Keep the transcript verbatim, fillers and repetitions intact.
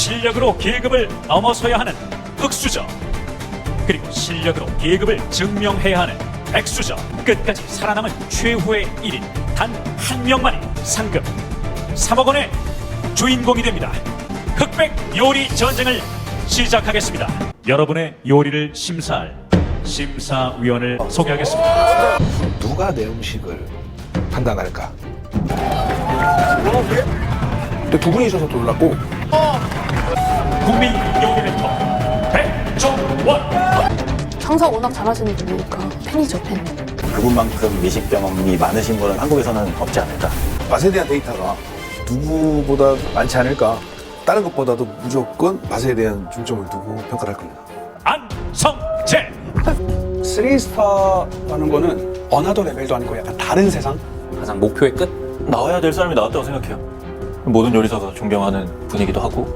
실력으로 계급을 넘어서야 하는 흑수저, 그리고 실력으로 계급을 증명해야 하는 백수저, 끝까지 살아남은 최후의 일 인 단 한 명만이 상금 삼억 원의 주인공이 됩니다. 흑백 요리 전쟁을 시작하겠습니다. 여러분의 요리를 심사할 심사위원을 소개하겠습니다. 누가 내 음식을 판단할까? 근데 두 분이셔서 놀랐고. 국민 요리 멘토 백종원. 장사 워낙 잘하시는 분이니까 팬이죠, 팬. 그분만큼 미식 경험이 많으신 분은 한국에서는 없지 않을까. 맛에 대한 데이터가 누구보다 많지 않을까? 다른 것보다도 무조건 맛에 대한 중점을 두고 평가를 할 겁니다. 안성재. 쓰리 스타라는 거는 어나더 레벨도 아니고 약간 다른 세상? 가장 목표의 끝? 나와야 될 사람이 나왔다고 생각해요. 모든 요리사가 존경하는 분이기도 하고.